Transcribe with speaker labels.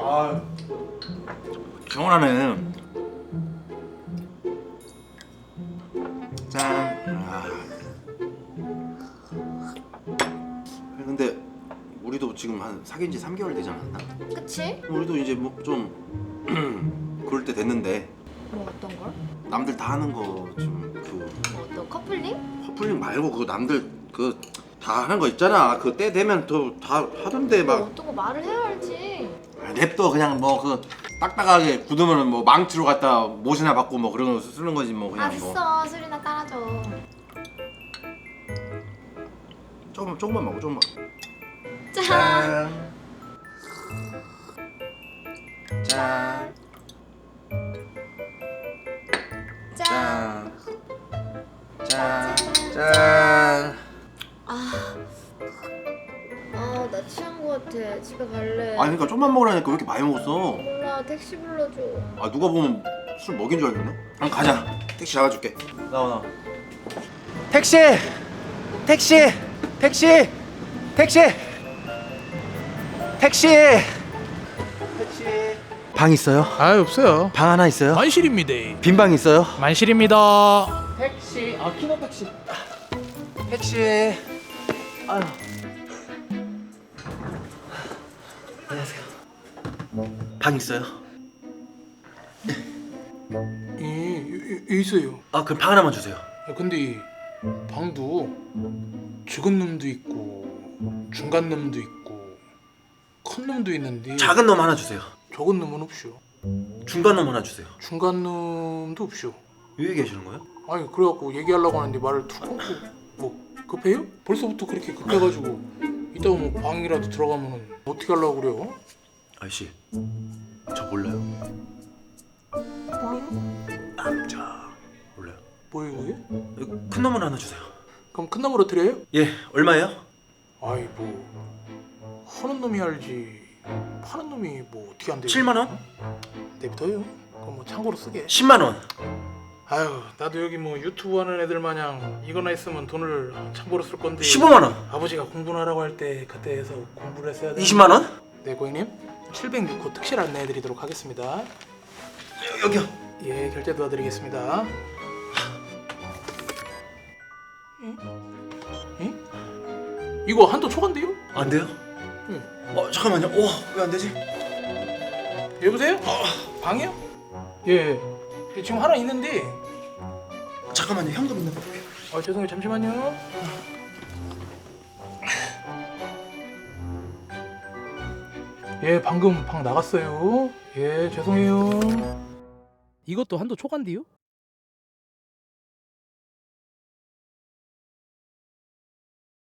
Speaker 1: 아, 시원하네. 짠. 근데 우리도 지금 한 사귄 지 3개월 되지 않았나?
Speaker 2: 그치?
Speaker 1: 우리도 이제 뭐 좀 그럴 때 됐는데
Speaker 2: 뭐 어떤 걸?
Speaker 1: 남들 다 하는 거 좀 그
Speaker 2: 뭐 어떤 커플링?
Speaker 1: 커플링 말고 그 남들 그 다 하는 거 있잖아. 그 때 되면 또 다 하던데
Speaker 2: 뭐
Speaker 1: 막
Speaker 2: 어떤 거 말을 해야 알지.
Speaker 1: 냅둬 그냥 뭐 그 딱딱하게 굳으면은 뭐 망치로 갖다 못이나 받고 뭐 그런 거 쓰는 거지 뭐 그냥 뭐
Speaker 2: 알았어, 술이나 따라줘.
Speaker 1: 조금만 먹어 조금만.
Speaker 2: 짠.
Speaker 1: 짠.
Speaker 2: 짠.
Speaker 1: 짠. 짠.
Speaker 2: 나 취한 거 같아. 집에 갈래.
Speaker 1: 아니 그러니까 좀만 먹으라니까 왜 이렇게 많이 먹었어?
Speaker 2: 몰라, 택시 불러줘.
Speaker 1: 아 누가 보면 술 먹인 줄 알겠네. 그럼 가자. 택시 잡아줄게. 나와.
Speaker 3: 택시! 택시! 택시! 택시! 택시! 방 있어요?
Speaker 4: 아 없어요.
Speaker 3: 방 하나 있어요?
Speaker 4: 만실입니다.
Speaker 3: 빈 방 있어요?
Speaker 4: 만실입니다.
Speaker 3: 택시. 키노 택시. 택시. 아유. 안녕하세요. 방 있어요?
Speaker 4: 있어요.
Speaker 3: 아 그럼 방 하나만 주세요.
Speaker 4: 근데 방도 죽은 놈도 있고 중간 놈도 있고 큰 놈도 있는데
Speaker 3: 작은 놈 하나 주세요.
Speaker 4: 적은 놈은 없쇼.
Speaker 3: 중간 놈 하나 주세요.
Speaker 4: 중간 놈도 없쇼.
Speaker 3: 왜 얘기하시는 거예요?
Speaker 4: 아니 그래갖고 얘기하려고 하는데 말을 툭 끊고 뭐 급해요? 벌써부터 그렇게 급해가지고 이따가 뭐 방이라도 들어가면은 어떻게 하려고 그래요?
Speaker 3: 아저씨, 저 몰라요.
Speaker 4: 몰라요?
Speaker 3: 남자 몰라요.
Speaker 4: 뭐예요 그게?
Speaker 3: 큰 놈을 하나 주세요.
Speaker 4: 그럼 큰 놈으로 드려요?
Speaker 3: 예, 얼마예요?
Speaker 4: 아이 뭐 하는 놈이 알지 파는 놈이 뭐 어떻게 안 돼요?
Speaker 3: 7만 원?
Speaker 4: 내부터요? 그럼 뭐 참고로 쓰게.
Speaker 3: 10만 원.
Speaker 4: 아유 나도 여기 뭐 유튜브 하는 애들 마냥 이거나 있으면 돈을 참고로 쓸 건데
Speaker 3: 15만 원.
Speaker 4: 아버지가 공부를 하라고 할 때 그때 해서 공부를 했어야 돼.
Speaker 3: 20만 원?
Speaker 4: 네 고객님 706호 특실 안내해드리도록 하겠습니다.
Speaker 3: 여기요.
Speaker 4: 예 결제 도와드리겠습니다. 응? 이거 한도 초과인데요?
Speaker 3: 안 돼요?
Speaker 4: 응.
Speaker 3: 잠깐만요. 왜 안 되지?
Speaker 4: 여보세요? 방이요? 예. 지금 하나 있는데.
Speaker 3: 잠깐만요. 현금 있는 거 볼게요.
Speaker 4: 죄송해요. 잠시만요. 예, 방금 방 나갔어요. 예, 죄송해요. 이것도 한도 초과인데요?